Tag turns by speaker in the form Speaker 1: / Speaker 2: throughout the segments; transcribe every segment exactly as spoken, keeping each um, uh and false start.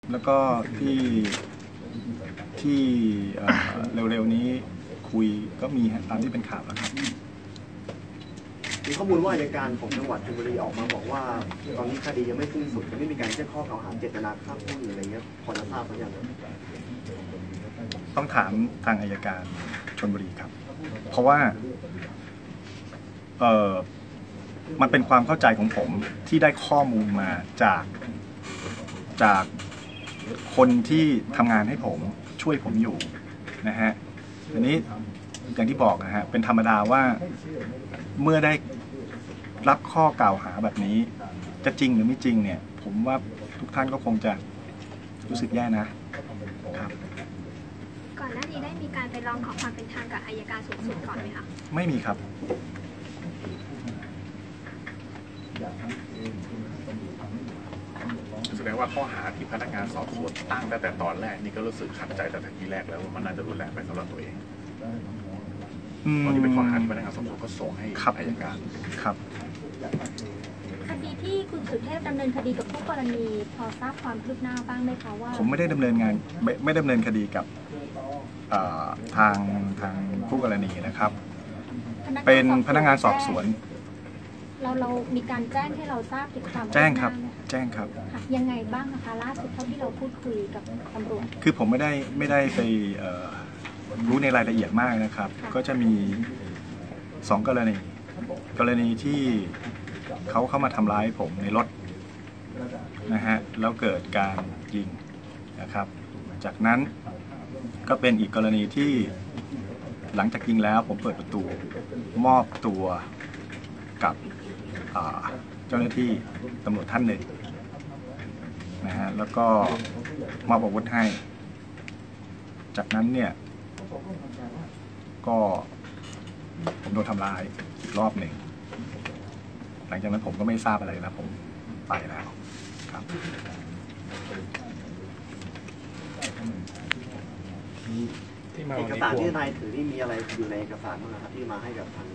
Speaker 1: แล้วก็ที่ที่เร็วๆนี้คุยก็มีตามที่เป็นข่าวแล้วครับ
Speaker 2: มีข้อมูลว่าอัยการของจังหวัดชลบุรีออกมาบอกว่าตอนนี้คดียังไม่สิ้นสุดยังไม่มีการแจ้งข้อกล่าวหาเจตนาฆ่าผู้อื่นอะไรเงี้ยพอจะทราบหรือยัง
Speaker 1: ต้องถามทางอัยการชลบุรีครับเพราะว่าเออมันเป็นความเข้าใจของผมที่ได้ข้อมูลมาจากจากคนที่ทำงานให้ผมช่วยผมอยู่นะฮะทีนี้อย่างที่บอกนะฮะเป็นธรรมดาว่าเมื่อได้รับข้อกล่าวหาแบบนี้จะจริงหรือไม่จริงเนี่ยผมว่าทุกท่านก็คงจะรู้สึกแย่นะครับ
Speaker 3: ก่อนหน้านี้ได้มีการไปร้องขอความเป็นธรรมกับอัยการสูงสุดก่อนไหมคะ
Speaker 1: ไม่มีครับ
Speaker 4: แสดงว่าข้อหาที่พนักงานสอบสวนตั้งตั้งแต่ตอนแรกนี่ก็รู้สึกขัดใจแต่ทีแรกแล้วว่ามันน่าจะรุนแรงไปสำหรับตัวเองตอนนี้เป็นข้อหาที่พนักงานสอบสวนก็ส่งให้อัยการ
Speaker 1: ครับ
Speaker 5: คดีที่คุณสุเทพดำเนินคดีกับผู้กรณีพอทราบความคืบหน้าบ้างไหมคะว่า
Speaker 1: ผมไม่ได้ดำเนินงานไม่ไม่ดำเนินคดีกับทางทางผู้กรณีนะครับเป็นพนักงานสอบสวน
Speaker 5: เราเรามีการแจ้งให้เราทราบถึงความ
Speaker 1: แจ้งครับแจ้งครับ
Speaker 5: ยังไงบ้างนะคะล่าสุดเท่าที่เราพูดคุยกับตำรวจ
Speaker 1: คือผมไม่ได้ไม่ได้ไปรู้ในรายละเอียดมากนะครับก็จะมีสองกรณีกรณีที่เขาเข้ามาทำร้ายผมในรถนะฮะแล้วเกิดการยิงนะครับจากนั้นก็เป็นอีกกรณีที่หลังจากยิงแล้วผมเปิดประตูมอบตัวกับเจ้าหน้าที่ตำรวจท่านหนึ่งนะฮะแล้วก็มอบอาวุธให้จากนั้นเนี่ยก็ผมโดนทำร้ายอีกรอบหนึ่งหลังจากนั้นผมก็ไม่ทราบอะไรแล้วผมไปแล้วครับ
Speaker 2: เอกสารที่นายถือนี่มีอะไรอยู่ในเอกสารบ้างครับที่มาให้กับทาง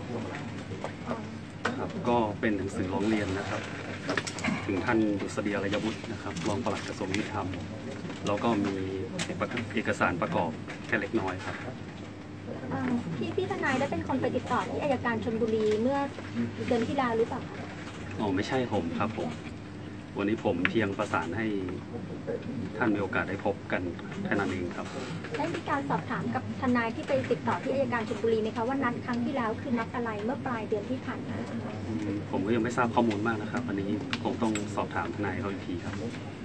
Speaker 6: ครับก็เป็นหนังสือร้องเรียนนะครับถึงท่านดุษฎีอารยวุฒินะครับรองปลัดกระทรวงยุติธรรมแล้วก็มีเอกสารประกอบแค่เล็กน้อยครับ
Speaker 5: พี่พี่ทนายได้เป็นคนไปติดต่อที่อัยการชลบุรีเมื่อเดือนที่แล้วหรือเปล่า
Speaker 6: อ๋อไม่ใช่ผมครับผมวันนี้ผมเพียงประสานให้ท่านมีโอกาสได้พบกันแค่นั้นเองครับ
Speaker 5: ได้มีการสอบถามกับทนายที่ไปติดต่อที่อัยการชลบุรีไหมคะว่านัดครั้งที่แล้วคือนัดอะไรเมื่อปลายเดือนที่ผ่านมา
Speaker 6: ผมก็ยังไม่ทราบข้อมูลมากนะครับวันนี้ผมต้องสอบถามทนายเขาอีกทีครับ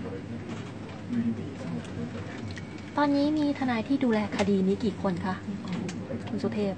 Speaker 7: ตอนนี้มีทนายที่ดูแลคดีนี้กี่คนคะคุณสุเทพ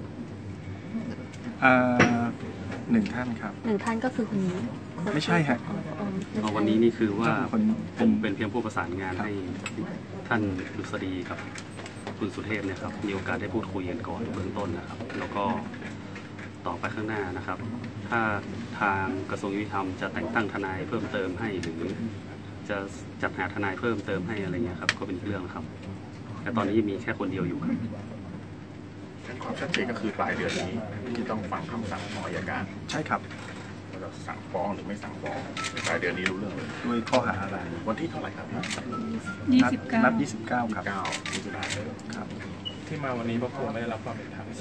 Speaker 1: หนึ่งท่านครับ
Speaker 7: หนึ่งท่านก็คือคนนี้
Speaker 1: ไม่ใช่ฮะ
Speaker 6: วันนี้นี่คือว่าผมเป็นเพียงผู้ประสานงานให้ท่านดุษฎีกับคุณสุเทพเนี่ยครับมีโอกาสได้พูดคุยกันก่อนเบื้องต้นนะครับแล้วก็ต่อไปข้างหน้านะครับถ้าทางกระทรวงยุติธรรมจะแต่งตั้งทนายเพิ่มเติมให้หรือจะจัดหาทนายเพิ่มเติมให้อะไรเงี้ยครับก็เป็นเรื่องครับแต่ตอนนี้มีแค่คนเดียวอยู่ครับ
Speaker 4: ความชัดเจนก็คือปลายเดือนนี้ที่ต้องฟังคำสั่งของอัยการ
Speaker 1: ใช่ครับ
Speaker 4: ว่าจะสั่งฟ้องหรือไม่สั่งฟ้องปลายเดือนนี้รู้เรื่องเลย
Speaker 1: ด้วยข้อหาอะไร
Speaker 4: วันที่เท่าไหร่ครับ
Speaker 1: ยี่สิบเก้านัดยี่สิบเก้าครับ
Speaker 4: เก้ามิถุนายน
Speaker 1: ครับ
Speaker 8: ที่มาวันนี้เพราะผมไม่ได้รับความเป็นธรรม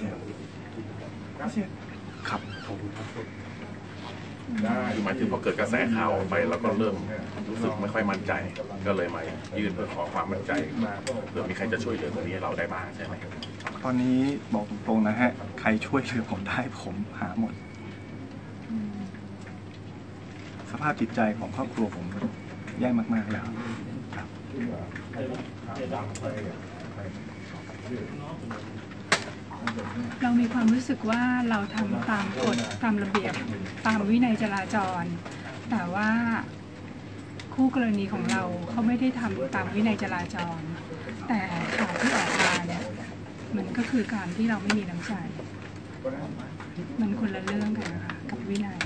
Speaker 1: ครับ
Speaker 4: คือหมายถึงพอเกิดกระแสข่าวไปแล้วก็เริ่มรู้สึกไม่ค่อยมั่นใจก็เลยมายื่นเพื่อขอความมั่นใจเผื่อมีใครจะช่วยเหลือตรงนี้เราได้บ้างใช่ไหม
Speaker 1: ตอนนี้บอกตรงๆนะฮะใครช่วยเหลือผมได้ผมหาหมดสภาพจิตใจของครอบครัวผมแย่มากๆแล้วครับ
Speaker 9: เรามีความรู้สึกว่าเราทำตามกฎตามระเบียบตามวินัยจราจรแต่ว่าคู่กรณีของเราเขาไม่ได้ทำตามวินัยจราจรแต่ข่าวที่ออกมาเนี่ยมันก็คือการที่เราไม่มีน้ำใจมันคนละเรื่องกันค่ะกับวินัย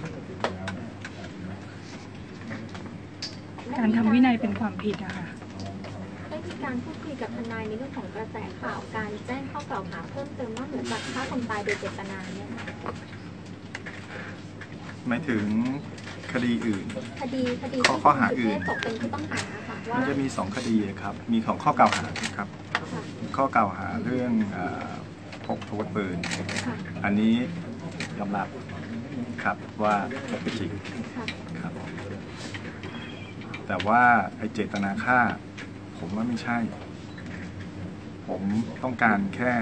Speaker 9: การทำวินัยเป็นความผิดอะค่ะ
Speaker 5: ได้มีการพูดคุยกับทนายในเรื่องของกระแสข่าวการแจ้งข้อกล่าวหาเพิ่มเติมว่าเหมือนกับฆ่าคนตายโดยเจตนาเนี่ย
Speaker 1: หมายถึงคดีอื่น
Speaker 5: คดีคดี
Speaker 1: ข้อหาอื่น
Speaker 5: ตกเป็นผู้ต้องหาค่ะว่า
Speaker 1: มันจะมีสองคดีครับ มีของข้อกล่าวหาครับ
Speaker 5: ค่ะ
Speaker 1: ข้อกล่าวหาเรื่องเอ่อพกอาวุธปืน
Speaker 5: ค่ะ
Speaker 1: อันนี้ยอมรับครับว่าพกไปจริง
Speaker 5: ค่ะ
Speaker 1: ครับ แต่ว่าไอเจตนาฆ่า ผมว่าไม่ใช่ ผมต้องการแค่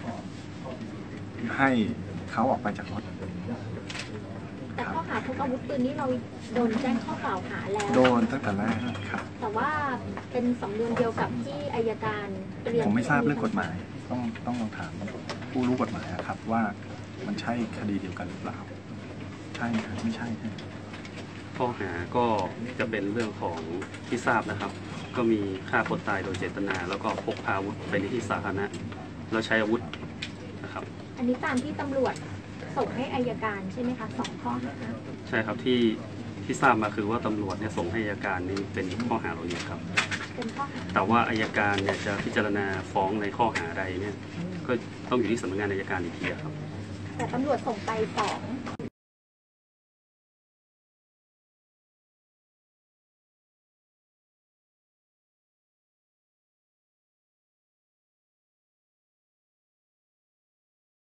Speaker 1: ให้เขาออกไปจากรถ
Speaker 5: แต่ข้อหาพกอาวุธปืนนี่เราโดนแจ้งข้อกล่าวหาแล้ว
Speaker 1: โดนตั้งแต่แรกครับ
Speaker 5: แต่ว่าเป็นสำนวนเดียวกับที่อายการเตรียม
Speaker 1: ผมไม่ทราบเรื่องกฎหมาย ต้องต้องลองถามผู้รู้กฎหมายอะครับ ว่ามันใช่คดีเดียวกันหรือเปล่า ใช่ครับไม่ใช่ใช่
Speaker 6: ข้อหาก็จะเป็นเรื่องของที่ทราบนะครับ ก็มีฆ่าคนตายโดยเจตนา แล้วก็พกพาอาวุธไปในที่สาธารณะแล้วใช้อาวุธนะครับ
Speaker 5: อันนี้ตามที่ตำรวจส่งให้อายการใช่ไหมคะสองข้อหา
Speaker 6: ใช่ครับที่ที่ทราบมาคือว่าตำรวจเนี่ยส่งให้อัยการนี่เป็นข้อหาเหล่านี้ครับ
Speaker 5: เป็นข้อหา
Speaker 6: แต่ว่าอัยการเนี่ยจะพิจารณาฟ้องในข้อหาใดเนี่ยก็ต้องอยู่ที่สำนักงานอัยการอีกทีครับ
Speaker 5: แต่ตำรวจส่งไปสอง